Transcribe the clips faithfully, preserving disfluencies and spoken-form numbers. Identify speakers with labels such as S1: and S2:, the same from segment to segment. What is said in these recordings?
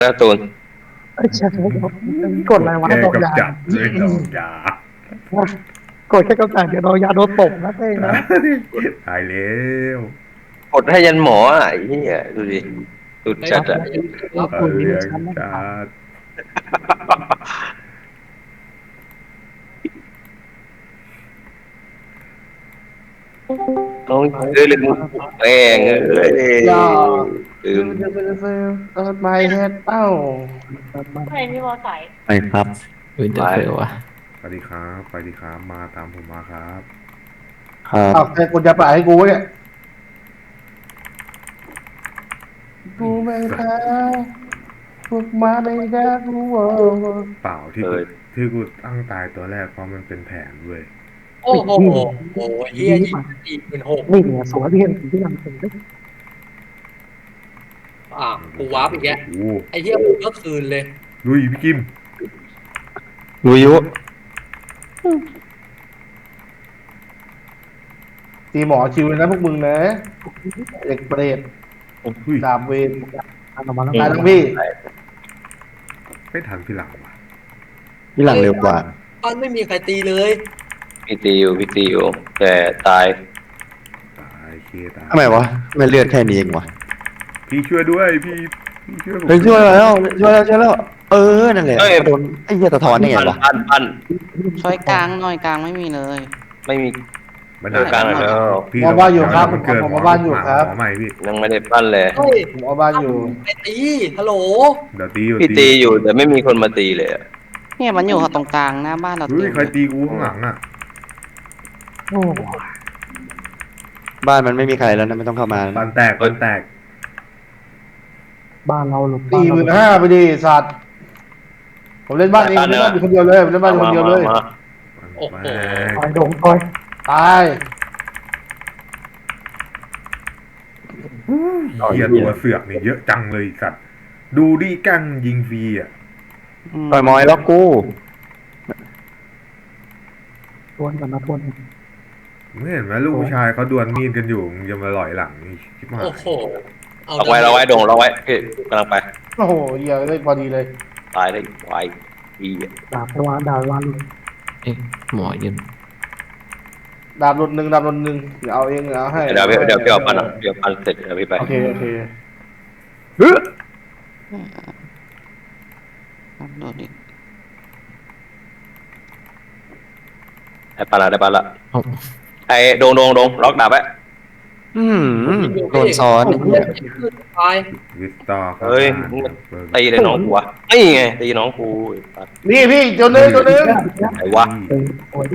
S1: นะตูน
S2: ไอ้เชี่ยกดอะไรวะดอกยา
S3: ด้วยดอกยาก
S2: ดแค่กำจัดเดี๋ยวดอกยาโดนตบนะเต้นะ
S3: ตายแล้ว
S1: กดให้ยันหมออ่ะไอ้เหี้ยดูดิสุดจัดอ่ะ
S2: เรา
S3: ตา
S2: คุ
S3: ย
S2: ย
S3: เลี้ยง
S2: ชั้นนะ
S3: จัด
S1: น้องเอ้ยลืมแม่งเอ้ย
S4: ย่อ
S1: ลืม
S4: ซื้อซื้อซื้อเอิร์ธไมเฮ็ดเอ้า
S5: ไม่มีมอไซค์
S6: ไม่ครับวินเตอร์เฟลวะ
S3: สวัสดีครับสวัสดีครับมาตามผมมาครับ
S6: ครับ
S4: เอาใครกดจะปล่อยให้กูวะเนี่ยกูไม่แพ้พวกมาไม่ได้กูเวอร์
S3: เปล่าที่กูที่กูตั้งตายตัวแรกเพราะมันเป็นแผนเว้ย
S7: โอ้โหโอ้ยเฮียยิงสี่หมื่นหก
S2: นี่เนี่ยสวยที่เห็นที่นำถึงได้
S7: อ่ะกูวาร์ปอีกแล้ว
S3: โอ้โห
S7: ไอ้เฮียกูก็คืนเลย
S3: ลุยพี่กิม
S6: วิยุ
S4: ตีหมอชิวเลยนะพวกมึงนะเด็กเปรต
S3: อุ้ย
S4: ดาบเวร
S2: อันออกมาแล้ว
S4: ตายทั้งพี่
S3: ไม่ทันพี่หลังว่ะ
S6: ที่หลังเร็วกว่า
S7: บ้านไม่มีใครตีเลย
S1: พี่ตีอยู่พี่ตีอยู่แต่ตาย
S3: ตายเคตาย
S6: ทำไมวะไม่เลือดแค่นี้เองวะ
S3: พี่ช่วยด้วยพี่พี่ช่วยผม
S6: เฮ้ยช่วยแล้วช่วยแล้วช่วยแล้วเออนั่นแหละโดนไอ้เหี้ยสะท้อนได้ไง
S1: ปั้น
S6: วะ
S1: ปั้นปั้น
S8: ช่วยกลางหน่อยกลางไม่มีเลย
S1: ไม่มี
S3: มัน
S1: เจอกลางแล้ว
S3: พี่
S4: หมอบ้านอยู่ครับ
S3: มันเกิด
S4: หมอบ้านอยู่ครับ
S3: หมอใหม่พี่
S1: ยังไม่ได้ปั้นเลย
S7: เฮ้ย
S4: ผมเอาบ้านอยู่
S7: ไปตีฮัลโหล
S3: เดี๋ยวตีอยู่
S1: พี่ตีอยู่แต่ไม่มีคนมาตีเลยอะ
S8: เนี่ยมันอยู่ตรงกลางหน้าบ้านเรา
S3: เฮ้ย
S8: เต็ม
S3: ใครตีกูข้างหลังอ่ะ
S2: โอ้
S6: บ้านมันไม่มีใครแล้วนะไม่ต้องเข้ามา
S3: ปันแตกปันแตก
S2: บ้านเราหลุด
S4: ตีหมื่นห้าไปดิสัตว์ผมเล่นบ้านเองผมเล่นบ้านอยู่คนเดียวเลยผมเล่นบ้านอยู่คนเดียวเลย
S1: มามา
S7: โอ้โห
S3: แม่ง
S2: คอยดงคอย
S4: ตาย
S3: เหี้ยตัวเสือกนี่เยอะจังเลยสัตว์ ดูดิกั้งยิงฟรีอ่ะ
S6: ต่อยมอยล็อกกู
S2: ทวนกันนะทวน
S3: ไม่เห็นไหมลูกผู้ชายเขาดวลมีดกันอยู่มึงจะมาหลอยหลังนี่ชิบหาย
S7: โอ้โห
S1: เอาไว้เราไว้ดงเราไว้พี่กำลังไป
S4: โอ้โหเหี้ยได้พอดีเลย
S1: ตายได้ไวดีอะ
S2: ดาบไปวางดาบวางลุ
S6: เอ๊ะหมอยืน
S4: ดาบหลุดหนึ่งดาบหลุดหนึ่งเดี๋ยวเอาเองเดี๋ยวเอาให้
S1: เดี๋ยวพี่เดี๋ยวพี่เอาปั้นอะเดี๋ยวปั้นเสร็จเดี๋ยวพี่ไป
S4: โอเคโอเค
S8: โดนอีก
S1: ได้ปั้นละได้ปั้นละไอ้ดงดงดงล็อกดาบไว้
S6: อืมโดนซ้อน
S7: ตาย
S3: วิสตอร์ครับ
S1: เฮ้ยมึงตีเลยน้องกูวะนี่ไงตีน้องกูไอ้สัส
S4: นี่พี่ตัวหนึงตัวหนึง
S1: ไหนวะ
S2: เออโอ้ย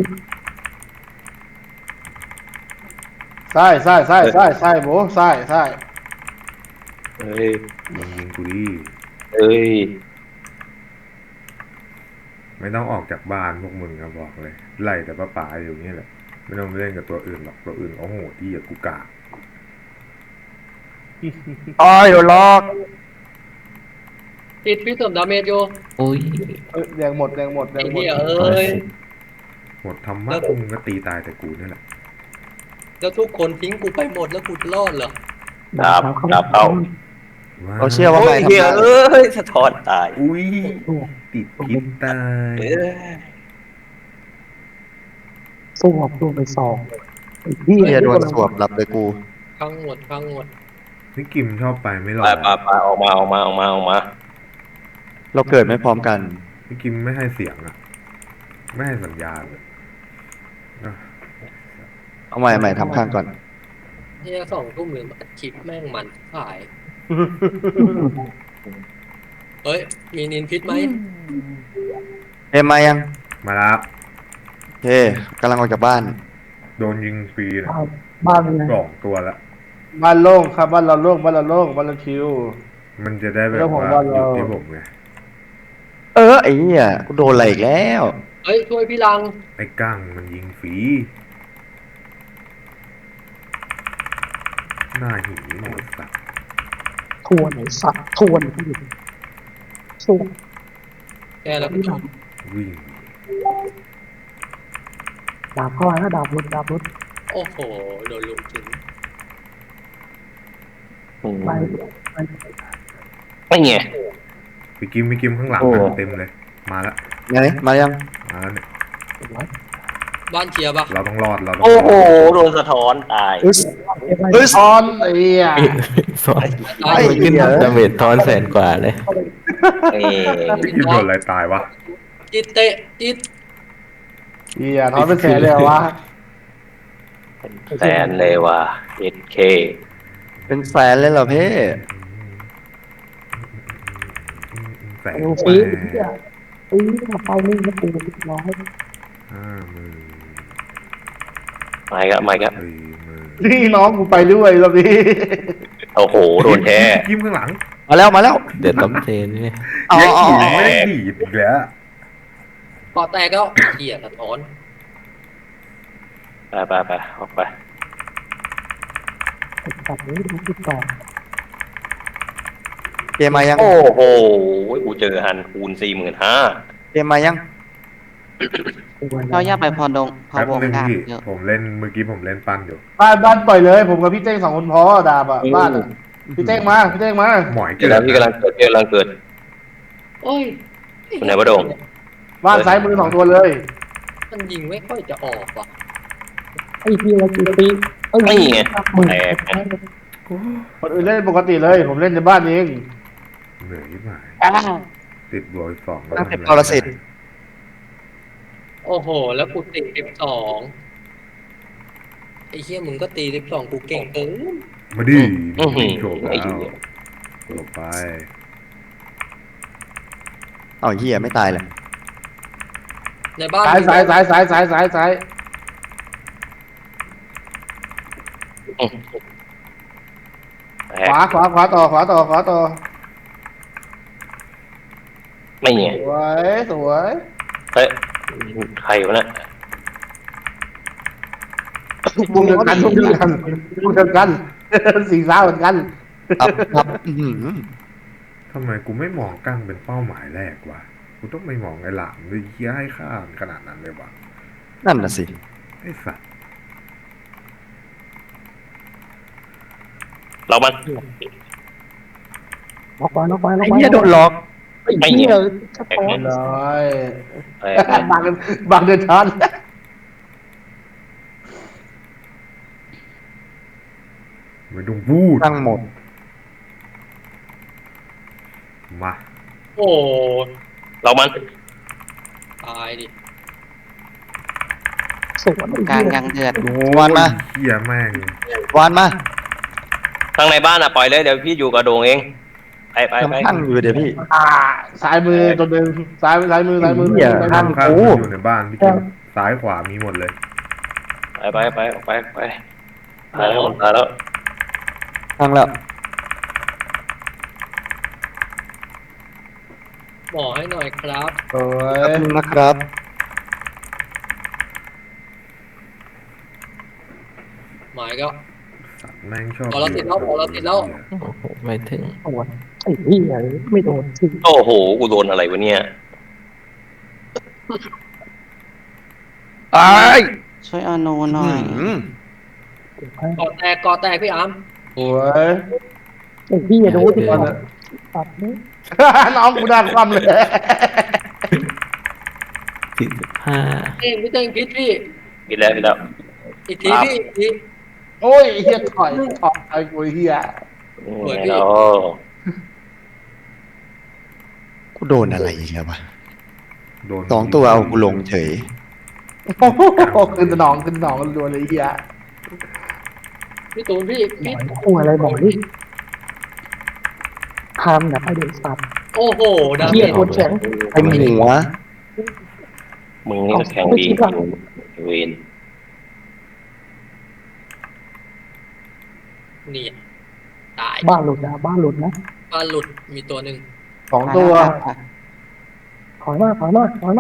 S4: ใช่ใช่ใช่ใช่ใช่โบใช่ใช่
S1: เฮ้ย
S3: มึงยิงกูดิ
S1: เอ้ย
S3: ไม่ต้องออกจากบ้านพวกมึงอะบอกเลย ไล่แต่ป้าป๋าอยู่นี่แหละ ไม่ต้องไปเล่นกับตัวอื่นหรอกตัวอื่นโอ้โหที่อย่ากูกาก
S6: อ้อยโดนล็อก
S7: ติดพี่เสริมดาเมจอยู่
S6: โอ้ย
S4: เอ้ยแดงหมดแดงหมดแด
S7: ไอ้
S4: งหมด
S7: เหี้ยเอ้ย
S3: หมดธรรมะมึงก็ตีตายแต่กูนี่แหละ
S7: แล้วทุกคนทิ้งกูไปหมดแล้วกูจะรอดเหรอ
S1: ดาบดาบเข้า
S6: เขาเชื่อว่า
S1: โอ้
S6: ไม่
S1: ย
S6: ทำ
S1: เฮีย
S6: ได้
S1: เอ้ยสะท้อนตาย
S3: อุ้ยติดพิษตาย
S1: เอ้ย
S2: สู้ออกตัวไปสองไอ้พี่
S6: เหี้ยโดนสวบหลับเลยกู
S7: พังหมดพังหมด
S3: พี่กิมชอบไปไม่หรอ
S1: ไปไปไปออกมาออกมาออกมาออกมา
S6: เราเกิดไม่พร้อมกัน
S3: พี่กิมไม่ให้เสียงอะไม่ให้สัญญาณเลยอ่ะ
S6: เอาใหม่ใหม่ทำข้างก่อน
S7: เฮียสองทุ่มหนึ่งอัดคลิปแม่งมันขาย เฮ้ย มีนินพิษไหม
S6: เอ็มมายัง
S3: มาแล้ว
S6: โอเคกำลังออกจากบ้าน
S3: โดนยิงฟรีนะ
S2: บ้านเป็นไง
S3: สองตัวละ
S4: บ้านโล่งครับบ้านเราโล่งบ้านเราโล่งบ้านเราชิว
S3: มันจะได้แบบ
S4: แล้วผม
S3: ว่า
S4: ว่า
S3: ห
S4: เรา
S3: ยุดที่ผมไง
S6: เออไอ้เหี้ยกูโดนอะไรอีกแล้ว
S7: เฮ้ย ช่วยพี่ลัง
S3: ไอ้กั้งมันยิงฟรีหน้าหีหมดสัตว์
S2: ทวนไอ้สัตว์ทวนที่สู้
S7: แกแล้ว
S2: ที่ดาบ
S3: วิ่ง
S2: ดาบเข้าไปแล้วดาบรุดดาบรุด
S7: โอ้โห โดนลุมถึง
S2: ไปไป
S1: ไม่ไง
S3: พี่กิมพี่กิมข้างหลังอะเต็มเลย มาแล้ว
S6: ไงมายัง
S3: มาแล้วเนี่ย
S7: บ้านเชียร์ปะ
S3: เราต้องรอดเราต้อง
S1: โอ้
S3: ร
S1: โห
S3: อด
S1: โดนสะท้อนตาย
S6: เฮ้ยเฮ้ย
S2: ออนไอ้เหี้ย
S8: สอน
S7: ตาย
S6: ไอ้เหี้ย
S8: ดาเมจทอนแสนกว่าเลย
S1: นี่
S3: พี่กิมโดนอะไรตายวะ
S7: จิตเตะจิต
S4: เหี้ยทอนเป็นแสนเลยเหรอวะ
S1: แสนเลยว่ะ เอ็ด เค
S6: เป็นแฟนเลยเหรอเพ่
S3: แสน
S2: โอ้
S3: แป
S2: ปี
S3: ด
S2: เนี่ยปีมาไปนี่มาปูร้อย
S3: ห้าหมื่น
S1: ไม่ครับไม่ครับ
S3: สี่หมื่น
S4: นี่น้องกูไปด้วยรอบนี้
S1: โอ้โห โดนแท้
S3: พี่กิมข้างหลัง
S6: มาแล้วมาแล้ว
S8: เดี๋ยวต้มเทนนี่
S6: อ๋อ
S3: ยัง
S6: อ๋อ
S3: อีกไม่ได้ดีดอีกแล้ว
S7: ปอแตกแล้วเหี้ยสะท้อน
S1: ไปไปไปออกไป
S2: ตัดนี้ดูติดต่อ
S6: เกมมายัง
S1: โอ้โห กูเจอฮันคูณสี่หมื่นห้า
S6: เกมมายัง
S8: เราอย่าไปพอดงพอ
S3: แป๊บ
S8: วง
S3: นึง
S8: ดาบ
S3: พี่
S8: เยอะ
S3: ผมเล่นเมื่อกี้ผมเล่นปั้นอยู่
S4: บ้านบ้านปล่อยเลย ผมกับพี่เต้งสองคนพอดาบอ่ะบ้านอะพี่เต้งมาพี่เต้งมา
S3: หมอย
S1: เดี๋
S3: เกิ
S1: ยวนะพี่กำลังเกิดพี่กำลังเกิด
S7: โอ้ย
S1: คุณไหนวะโดง
S4: บ้านซ้ายมือสองตัวเลย
S7: มันยิงไม่ค่อยจะออกว่ะ
S2: ไอ้เหี้ยกี่ปีเอ้ย
S1: นี่ไง
S2: หมื่น
S1: แตกไง
S4: คนอื่นเล่นปกติเลย ผมเล่นในบ้านเอง
S3: เหนื่อยยิ่งหาย
S2: อ่า
S3: ติดบวกอีกสอง
S6: ตั้งแต่ปรสิต
S7: โอ้โห แล้วกูติดสิบสองไอ้เหี้ยมึงก็ตีสิบสองกูเก่งเกิน
S3: มาดิ
S1: อื้อหือ
S3: โฉบ
S1: ไอ้
S3: แล้ว
S1: เหี้ย
S3: โฉบไป
S6: เอาเหี้ยไม่ตายเลย
S7: ในบ้าน
S4: ซ้ายซ้ายซ้ายซ้ายซ้ายซ้ายซ้าย
S1: แต
S4: ขวาก ขวาขวาต่อขวาต่อขวาต่อ
S1: ไม่ไง
S4: สวยสวย
S1: เฮ้ย ใครวะเนี่ย
S4: มุมเดียวกันมุมเดียวกันมุมเดียวกัน สีฟ้าเหมือนกัน
S6: ครับครับอื้อหือ
S3: ทำไมกูไม่มองกั้งเป็นเป้าหมายแรกวะกูต้องไม่มองไอ้หลามด้วยเหี้ยให้ค่าขนาดนั้นเลยวะ
S6: นั่นน่ะสิ
S3: ไอ้สัตว์
S1: เรามัน
S2: ล็อกไว้ล็อกไว้ล็อก
S6: ไอ้
S2: ไว้
S6: เหี้ยโดนหลอก
S2: ไอ้เหี้ยสะท้อน
S4: เลย
S1: แตก
S4: บางบางเดินทัน
S3: ไม่ต้องพูด
S6: ตั้งหมด
S3: มา
S7: โอ้
S1: เรามัน
S7: ตายดิ
S2: สวน
S8: กลาง
S2: ไอ้เหี้ย
S8: ยังเดือด
S6: วานมา
S3: เหี้ยแม่ง
S6: วานมา
S1: ข้างในบ้านอ่ะปล่อยเลยเดี๋ยวพี่อยู่กับโดงเอง ไปไปไป
S6: กำลังอยู่เดี๋ยวพี่
S4: อ่าซ้ายมือตัวหนึ่งซ้ายซ้ายมือซ้ายมือ
S6: เหี้ย
S4: ซ้าย
S6: ข้า
S4: มื
S6: ง
S4: อ
S3: ข้างๆมันอยู่ในบ้านพี่กิมซ้ายขวามีหมดเลย
S1: ไปไปไปไปไปตายแล้วตายแล้ว
S6: ทางแล้ว
S7: หมอให้หน่อยครับ
S4: สวย
S6: แป๊บนึงนะครับ
S7: หมายก็
S3: สัตว์แม่งชอบ
S7: พอเราติดแล้วพอเราติดแล้ว
S8: โอ้โหไม่ถึง
S2: สวนไอ้เหี้ยไม่โดนสิ
S1: โอ้โห กูโดนอะไรวะเนี่ย
S6: ไอ้าย
S8: ช่วยเอาโนหน่อย
S6: อื้อ
S7: กอแตกกอแตกพี่อาร์ม
S4: สวย
S2: ไอ้เหี้ยโดนติดต่อตัดนี้
S4: น้องกูด้านความเลย
S8: สี่สิบห้า
S7: เอ้ยพี่เต้งพิษพี่
S1: กินแล้วกินแล้ว
S7: อีกทีพี่อีกที
S4: โอ้ยเฮียถอยถอยไอ้กูเฮีย
S7: สวยพี่
S1: แล้ว
S6: กูโดนอะไรอีกแล้ววะ
S3: โดน
S6: สองตัวเอากูลงเฉย
S4: โอ้โหขึ้นสนองขึ้นสนองรัวเลยเฮีย
S7: พี่ตูนพี่
S2: หน่
S7: พี่
S2: อยคู่อะไรบอกนี่ทำแบบไอ้เด็กสัตว์
S7: โอ้โหดา
S2: เหี้
S7: เม
S2: ย
S7: จ
S2: โดนแข็ง
S6: ไอ้หัว
S1: มึงนี่ก็แข็งดีเวน
S7: นี่ตาย
S2: บ้านหลุดนะบ้านหลุดนะ
S7: บ้านหลุดมีตัวหนึ่ง
S4: สองตัว
S2: ถอยมาถอยมาถอยมา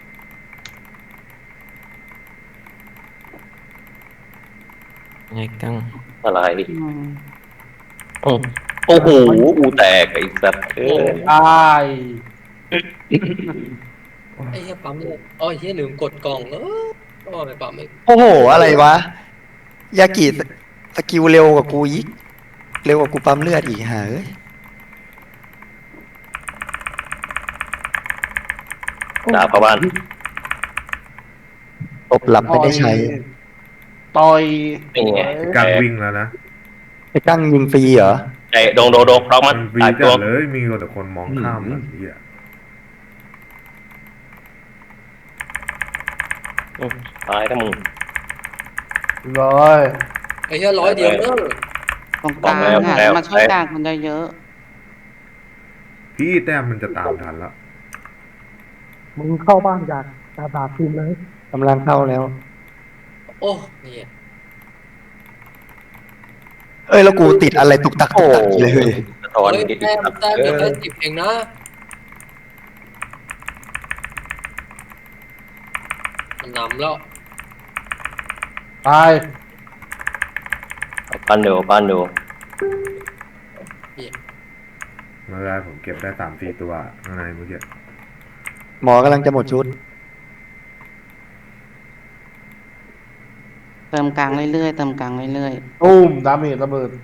S8: ไงกัง
S1: อะไร
S8: อืม
S1: อืมโอ้โห กูแตกไอ้สัตว์เอ้ย
S4: ตาย
S7: ไอ้เหี้ยปั๊มเลยอ๋อไอ้เหี้ยลืมกดกล่องเออก็ไม่ปั๊มไม่
S6: โอ้โห อะไรวะ ยากิสกิลเร็วกว่ากูอีก เร็วกว่ากูปั๊มเลือดอีกฮะเอ้ย
S1: ดาบเข้าบ้าน
S6: ตบหลับไม่ได้ใช้
S4: ต่อย
S1: นี่ไง
S3: กลางวิ่งแล้วนะ
S6: ไอ้กั้งยิงฟรีเหรอ
S1: ไอ้โดงโดงโดงล็อกมั
S3: มัน นวี
S1: ตาย
S3: จั
S1: ตัว
S3: ดเลยมีแต่คนมองข้ามแบบนี้อ่ะ
S1: ตายถ้ามึง
S4: ร้อย
S7: ไอ้เหี้ยร้อยเดียวเนอะ
S8: ตรงกลาง
S1: แล้ว
S8: อ่ะ
S1: แล้ว
S8: มาช่วยกลางคนได้เยอะ
S3: พี่แต้มมันจะตามทันละ
S2: มึงเข้าบ้านอยากดาบาทีมเลย
S6: กำลังเข้าแล้ว
S7: โอ้เนี่ย
S6: เอ้ยแล้วกูติดอะไรตุกตักตุกตักเลย
S1: สะท้อน
S7: เฮ้ย
S1: นิด
S7: แต้มแต้ม
S1: เอ
S7: เดี๋ยว
S1: อ
S7: แค่สิบเองนะมันนำแล้ว
S4: ตาย
S1: เอาปั้นเดี๋ยวปั้นเดี๋ยว
S3: มาได้ผมเก็บได้สามสี่ตัวข้างในเมื่อกี้
S6: หมอกำลังจะหมดชุด
S8: เติมกลางเรื่อยๆเติมกลางเรื่อย
S4: ตุ้มดาเมจระเบิด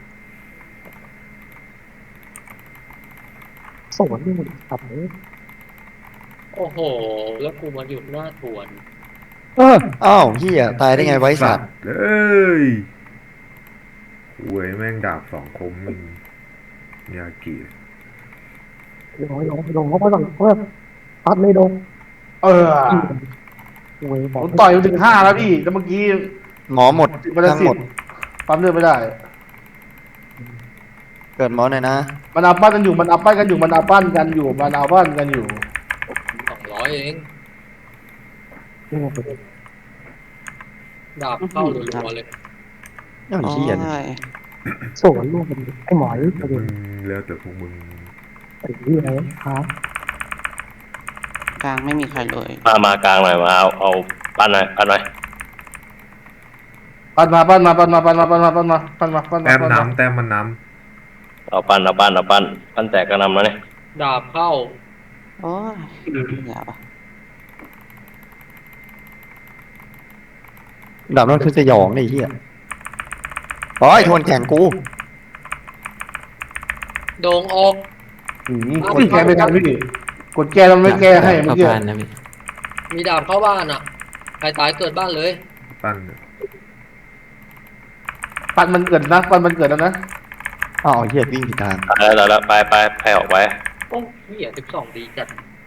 S2: สวนนี่มันขับเลย
S7: โอ้โห แล้วกูมาหยุดหน้าทวน
S6: เอออ้าวเฮียตายได้ไงไว้สัตว์
S3: เอ้ยหวยแม่งดาบสองคมมึงยากิ
S2: ลงลงลงเข้าไปก่อนเพื่อตัดเลยลง
S4: เออ
S2: โอ้ยบ
S4: ผ
S2: อก
S4: มต่อยมาถึงห้าแล้วพี่แล้วเมื่อกี้
S6: หมอหมด
S4: มันจะ
S6: ทั้ง
S4: สิ
S6: ห
S4: บ
S6: มด
S4: ปั๊มเลือดไม่ได้
S6: เกิดหมอหน่อยนะ
S4: มันเอาปั้นกันอยู่มันเอาปั้นกันอยู่มันเอาปั้นกันอยู่มันเอาปั้นกันอยู่
S7: สองร้อยเอง
S2: นี่ไง
S7: ดาบเข้ารัวๆเลย
S6: อ้าว
S8: ๆโอ้
S6: เฮีย
S8: ย
S2: สวนลูกมันไอ้หมอย
S3: แต่
S2: ประ
S3: มึ
S2: เด็น
S3: งแล้วแต่พวกมึง
S2: ไอ้เหี้ยครับ
S8: กลางไม่มีใครเลย
S1: มามากลางหน่อยมาเอาเอาปั้นหน่อยปั้นหน่อย
S4: ปั้นมาปั้นมาปั้นมาปั้นมาปั้นมาปั้นมาปั้นมาปั้นมา
S3: แต้ม
S4: ปั้นมา
S3: น้ำแต้มมันน้
S1: เอาปั้นเอาปั้นเอาปั้นปั้นแตกกระนำแล้วเนี่ย
S7: ดาบเข้า
S8: โอ้ยเหนื่อยปะ
S6: ดาบนั่นคือสยองนี่เฮียโอ้ยทวนแข่งกู
S7: โดงออก
S4: อืมกดแก้ไม่ทันพี่กดแก้แล้วไม่แก้ให้เมื่อ
S8: เข้า
S4: กี้
S8: บ้านนะพี่
S7: มีดาบเข้าบ้านอ่ะ ใครตายเกิดบ้านเลย
S3: ำปั้น
S4: ปั้นมันเกิดนะปั้นมันเกิดแล้วนะ
S6: อ้าวเฮียวิ่งผิดทาง
S1: ตายแล้วตายแล้วไปไปไปออกไป
S7: โอ้เหี้ยสิบสองดีจัด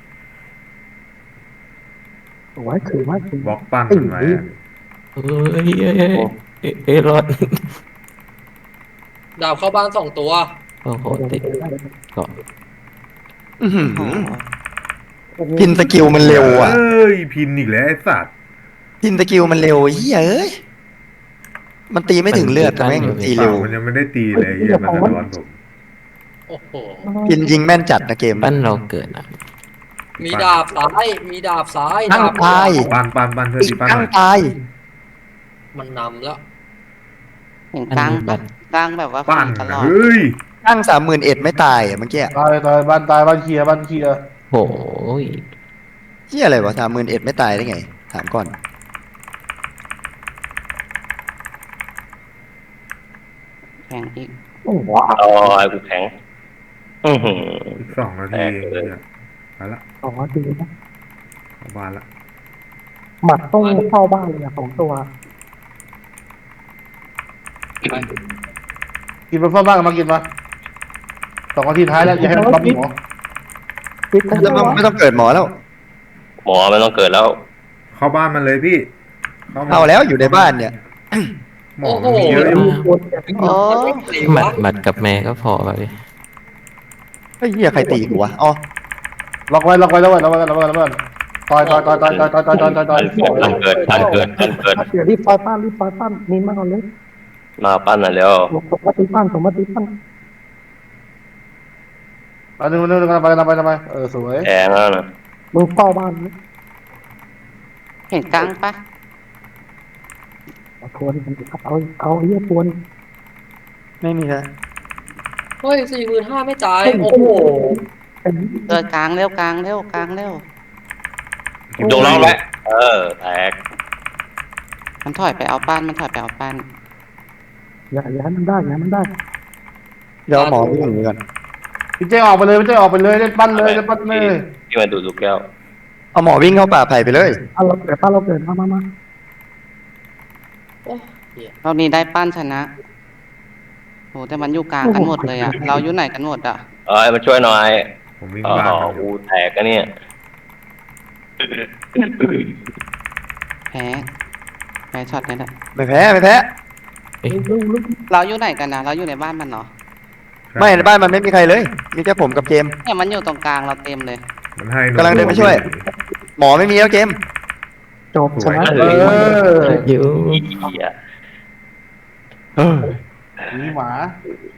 S2: โอ้ยถือว่าถือบ
S3: ล็อกปั้นมันไว้อะ
S8: เอ้ยเอ้ยเอ้ยเอ้ยเอ้ยรอด
S7: ดาบเข้าบ้านสองตัว
S8: โอ้โหติดเกาะ
S6: อื้อหือ
S8: โอ้โห
S6: พินสกิลมันเร็วอ่ะ
S3: เอ้ยพินอีกแล้วไอ้สัตว์
S6: พินสกิลมันเร็วเฮียเอ้ยมันตีไม่ถึงเลือดแต่แม่งตีเร็ว
S3: มันยังไม่ได้ตีเลยเฮียมันสะท้อนผม
S7: โอ้โห
S6: พินยิงแม่นจัดนะเกม
S8: ปั้นเราเกิดอ่ะ
S7: มีดาบซ้าย มีดาบซ้าย
S6: ตั้ง
S7: ดาบ
S6: ตาย
S3: ปั้นปั้นปั้นเธอ
S6: อี
S3: ดี
S6: ก
S3: ปั้น
S6: ตั้
S3: ห
S6: ง
S3: น่อย
S6: ตาย
S7: มันนำแล้ว
S8: เห็นกลางปะกลางแบบว่า
S3: ปั้น
S8: ตลอด
S3: เฮ้ย
S6: ตั้งสามหมื่นเอ็ดไม่ตายอ่ะเมื่อกี้
S4: ตายตายบ้านตายบ้านเคลียร์บ้านเคลียร์
S8: โอ้ย
S6: เฮียอะไรวะสามหมื่นเอ็ดไม่ตายได้ไง ถามก่อน
S8: แข่งอีก
S2: โอ้โห
S1: เอาไอ้กูแข็งอือหือ
S3: อีกสองนาทีเองเนี่ยไปละ
S2: สองนาทีนะ
S3: เข้าบ้านละ
S2: หมัดต้องเข้าบ้านเลยอะสองตัว
S4: กินมาฟ้าบ้างมากินมาสองนาทีท้ายแล้วอย่าให้มันปั๊มหมอ
S2: คิดกัน
S6: แล้ว
S2: ว่า
S6: ไม่ต้องเกิดหมอแล้ว
S1: หมอไม่ต้องเกิดแล้ว
S3: เข้าบ้านมันเลยพี่เข้ามา
S6: เอาแล้วอยู่ในบ้านเนี่ย
S3: หมอมันมีเยอะอยู่
S8: โอ้หมัดหมัดกับแม่ก็พอไป
S6: ไอ้เหี้ยใครตีกูวะ อ๋อ
S4: ล็อกไว้ล็อกไว้ล็อกไว้ล็อกไว้ล็อกไว้ล็อกไว้ต่อยต่อยต่อยต่อยต่อยต่อยต่อยต่อยต่อยต่อย
S1: ทันเกิดทันเกิดทันเกิด
S2: เดี๋ยวรีบไฟปั้นรีบไฟปั้นนินมาก่อนเลย
S1: มาปั้นหน่อยเร็ว
S2: สมมติปั้นสมมติปั้น
S4: อันนึงอันนึงไปไปไปไปเออสวย
S1: แทงแล้วนะ
S2: มึงเฝ้าบ้านนะ
S8: เห็นกลางปะ
S2: เอาทวนเอาเอาเยี่ยทวน
S6: ไม่มีนะ
S7: เฮ้ยสี่หมื่นห้าไม่จ่าย โอ้โห
S2: เป็น
S8: เกิดกลางเร็วกลางเร็วกลางเร็ว
S1: โดนล็อกแล้วเออแตก
S8: มันถอยไปเอาปั้นมันถอยไปเอาปั้น
S2: อย่าอย่าให้มันได้อย่าให้มันได้
S6: เดี๋ยวเอาหมอไปหนึ่งก่อน
S4: พี่เจ้ออกไปเลยพี่เจ้ออกไปเลยเล่นปั้นเลยเล่นปั้นเลย
S1: ที่มาดูดลูกแก้ว
S6: เอาหมอวิ่งเข้าป่าไผ่ไปเลย
S2: ป้าเราเกิดป้าเราเกิดมามามา
S9: รอบนี้ได้ปั้นชนะโหแต่มันอยู่กลางกันหมดเลยอ่ะ เราอยู่ไหนกันหมดอ่ะ
S1: เอ้ยมาช่วยหน่อย
S3: ผมวิ่ง
S1: อ๋อ
S3: บ้านมันอยู่
S1: กูแตกกันเนี่ย
S9: แพ้แพ้ช็อตนี้แหละ
S6: ไม่แพ้ไม่แพ้
S9: เราอยู่ไหนกันนะเราอยู่ในบ้านมันเหรอ
S6: ไม่ในบ้านมันไม่มีใครเลย มีแค่ผมกับเจมส์
S9: เนี่ยมันอยู่ตรงกลางเราเต็มเลย
S3: มันให้
S6: กำลังเดินไปช่วย หมอไม่มีแล้วเจมส์
S2: จบชนะ
S4: เออ
S8: อยู่
S1: เหี้ย
S4: มีหมา
S2: เ